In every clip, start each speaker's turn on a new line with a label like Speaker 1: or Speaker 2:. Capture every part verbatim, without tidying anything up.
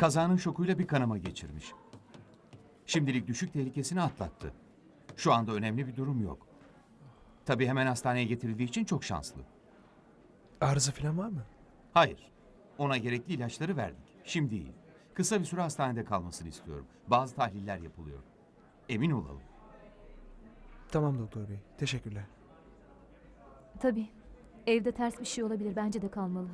Speaker 1: Kazanın şokuyla bir kanama geçirmiş. Şimdilik düşük tehlikesini atlattı. Şu anda önemli bir durum yok. Tabii hemen hastaneye getirildiği için çok şanslı.
Speaker 2: Arıza falan var mı?
Speaker 1: Hayır. Ona gerekli ilaçları verdik. Şimdi iyi. Kısa bir süre hastanede kalmasını istiyorum. Bazı tahliller yapılıyor. Emin olalım.
Speaker 2: Tamam doktor bey. Teşekkürler.
Speaker 3: Tabii. Evde ters bir şey olabilir. Bence de kalmalı.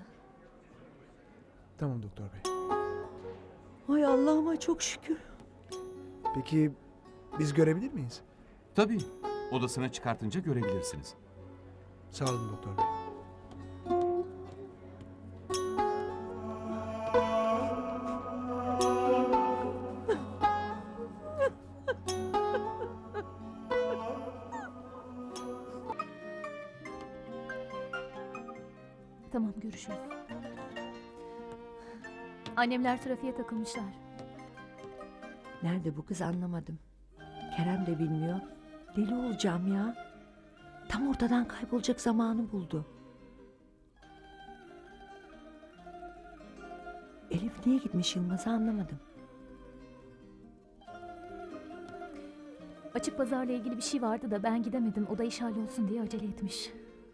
Speaker 2: Tamam doktor bey.
Speaker 4: Ay Allah'ıma çok şükür.
Speaker 2: Peki biz görebilir miyiz?
Speaker 1: Tabii. Odasına çıkartınca görebilirsiniz.
Speaker 2: Sağ olun doktor bey.
Speaker 3: Tamam, görüşürüz. Annemler trafiğe takılmışlar.
Speaker 4: Nerede bu kız anlamadım. Kerem de bilmiyor. Deli olacağım ya. Tam ortadan kaybolacak zamanı buldu. Elif niye gitmiş Yılmaz'ı anlamadım.
Speaker 3: Açık pazarla ilgili bir şey vardı da ben gidemedim. O da iş hallolsun diye acele etmiş.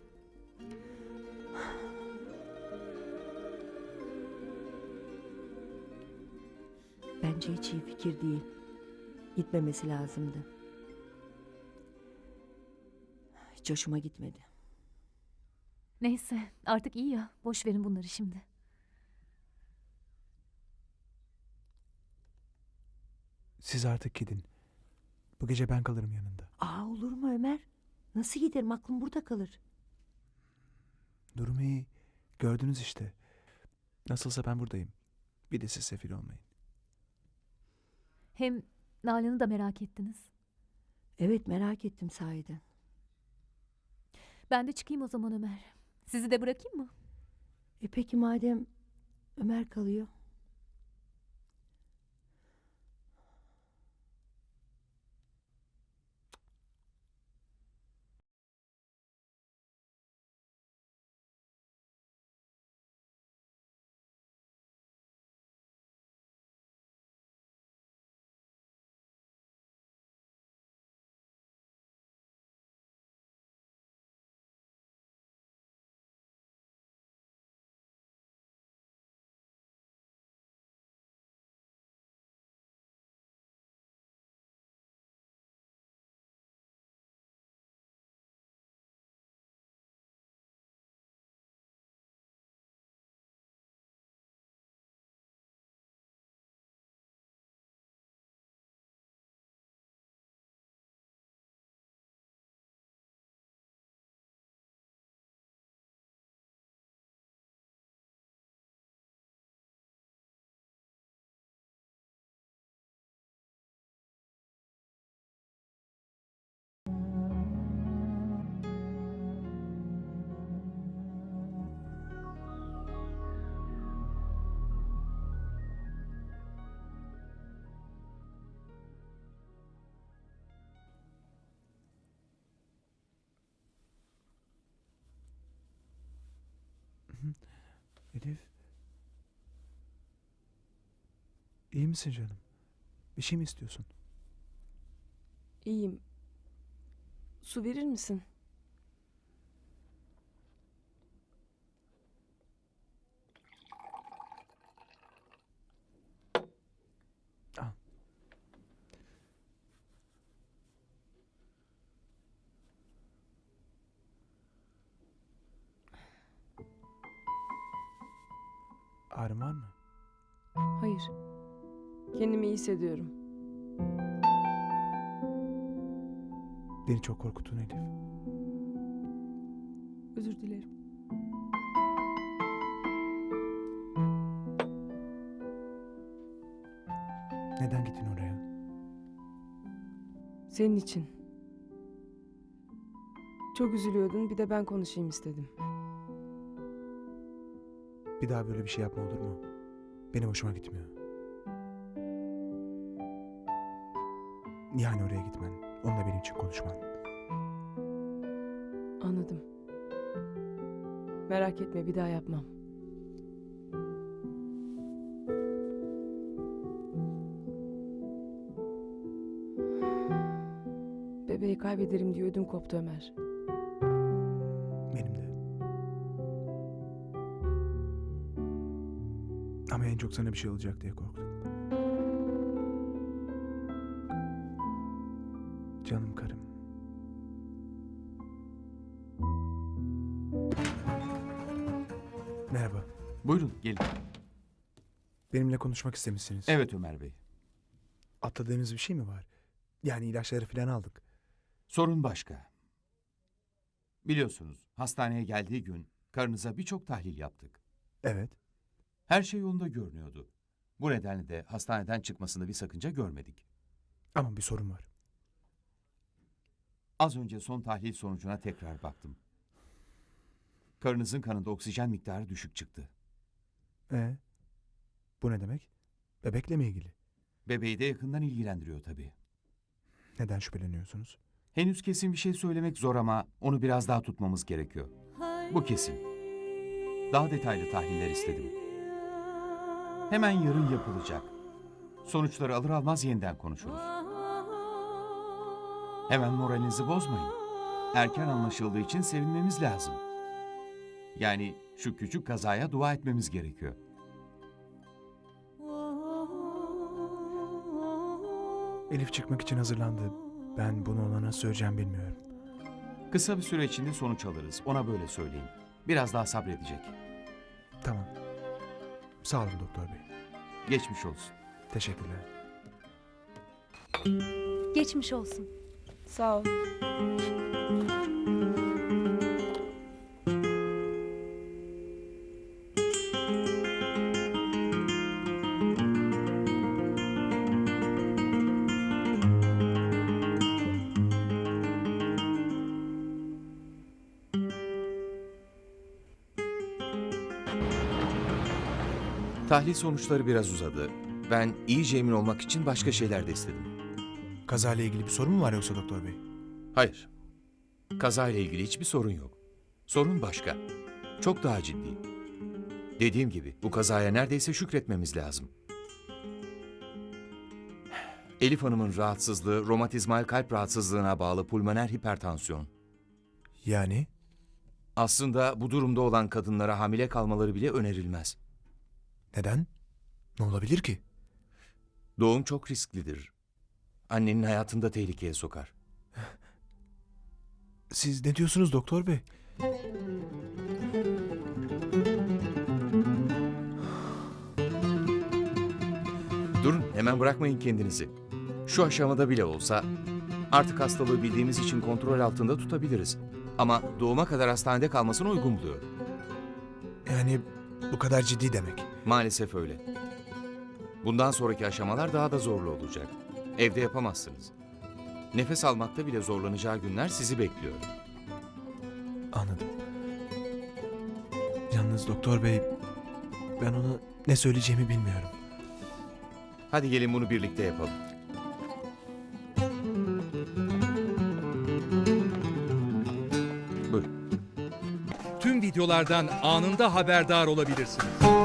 Speaker 4: Bence hiç iyi fikir değil. Gitmemesi lazımdı. Hiç hoşuma gitmedi.
Speaker 3: Neyse, artık iyi ya. Boş verin bunları şimdi.
Speaker 2: Siz artık gidin. Bu gece ben kalırım yanında.
Speaker 4: Aa olur mu Ömer? Nasıl giderim? Aklım burada kalır.
Speaker 2: Durum iyi. Gördünüz işte. Nasılsa ben buradayım. Bir de siz sefil olmayın.
Speaker 3: Hem Nalan'ı da merak ettiniz.
Speaker 4: Evet merak ettim sahiden.
Speaker 3: Ben de çıkayım o zaman Ömer. Sizi de bırakayım mı?
Speaker 4: E peki madem Ömer kalıyor.
Speaker 2: Elif. İyi misin canım? Bir şey mi istiyorsun?
Speaker 5: İyiyim. Su verir misin?
Speaker 2: Al. Ağrın var mı?
Speaker 5: Hayır. Kendimi iyi hissediyorum.
Speaker 2: Beni çok korkuttun Elif.
Speaker 5: Özür dilerim.
Speaker 2: Neden gittin oraya?
Speaker 5: Senin için. Çok üzülüyordun, bir de ben konuşayım istedim.
Speaker 2: Bir daha böyle bir şey yapma olur mu? Benim hoşuma gitmiyor. Yani oraya gitmen, onunla benim için konuşman.
Speaker 5: Anladım. Merak etme, bir daha yapmam. Bebeği kaybederim diye ödüm koptu Ömer.
Speaker 2: Benim de. Ama en çok sana bir şey olacak diye korktum. Canım karım. Merhaba.
Speaker 1: Buyurun gelin.
Speaker 2: Benimle konuşmak istemişsiniz.
Speaker 1: Evet Ömer Bey.
Speaker 2: Atladığınız bir şey mi var? Yani ilaçları falan aldık.
Speaker 1: Sorun başka. Biliyorsunuz hastaneye geldiği gün karınıza birçok tahlil yaptık.
Speaker 2: Evet.
Speaker 1: Her şey yolunda görünüyordu. Bu nedenle de hastaneden çıkmasında bir sakınca görmedik.
Speaker 2: Ama bir sorun var.
Speaker 1: Az önce son tahlil sonucuna tekrar baktım. Karınızın kanında oksijen miktarı düşük çıktı.
Speaker 2: Ee, bu ne demek? Bebekle mi ilgili?
Speaker 1: Bebeği de yakından ilgilendiriyor tabii.
Speaker 2: Neden şüpheleniyorsunuz?
Speaker 1: Henüz kesin bir şey söylemek zor ama onu biraz daha tutmamız gerekiyor. Bu kesin. Daha detaylı tahliller istedim. Hemen yarın yapılacak. Sonuçları alır almaz yeniden konuşuruz. Hemen moralinizi bozmayın. Erken anlaşıldığı için sevinmemiz lazım. Yani şu küçük kazaya dua etmemiz gerekiyor.
Speaker 2: Elif çıkmak için hazırlandı. Ben bunu ona nasıl söyleyeceğim bilmiyorum.
Speaker 1: Kısa bir süre içinde sonuç alırız. Ona böyle söyleyin. Biraz daha sabredecek.
Speaker 2: Tamam. Sağ olun doktor bey.
Speaker 1: Geçmiş olsun.
Speaker 2: Teşekkürler.
Speaker 3: Geçmiş olsun.
Speaker 5: Sağ ol.
Speaker 6: Tahlil sonuçları biraz uzadı. Ben iyice emin olmak için başka şeyler de istedim.
Speaker 2: Kazayla ilgili bir sorun mu var yoksa doktor bey?
Speaker 6: Hayır. Kazayla ilgili hiçbir sorun yok. Sorun başka. Çok daha ciddi. Dediğim gibi bu kazaya neredeyse şükretmemiz lazım. Elif Hanım'ın rahatsızlığı romatizmal kalp rahatsızlığına bağlı pulmoner hipertansiyon.
Speaker 2: Yani?
Speaker 6: Aslında bu durumda olan kadınlara hamile kalmaları bile önerilmez.
Speaker 2: Neden? Ne olabilir ki?
Speaker 6: Doğum çok risklidir. Annenin hayatını da tehlikeye sokar.
Speaker 2: Siz ne diyorsunuz doktor bey?
Speaker 6: Durun, hemen bırakmayın kendinizi. Şu aşamada bile olsa artık hastalığı bildiğimiz için kontrol altında tutabiliriz. Ama doğuma kadar hastanede kalmasını uygun buluyor.
Speaker 2: Yani bu kadar ciddi demek.
Speaker 6: Maalesef öyle. Bundan sonraki aşamalar daha da zorlu olacak. Evde yapamazsınız. Nefes almakta bile zorlanacağı günler sizi bekliyor.
Speaker 2: Anladım. Yalnız doktor bey, ben ona ne söyleyeceğimi bilmiyorum.
Speaker 6: Hadi gelin bunu birlikte yapalım. Buyurun.
Speaker 7: Tüm videolardan anında haberdar olabilirsiniz.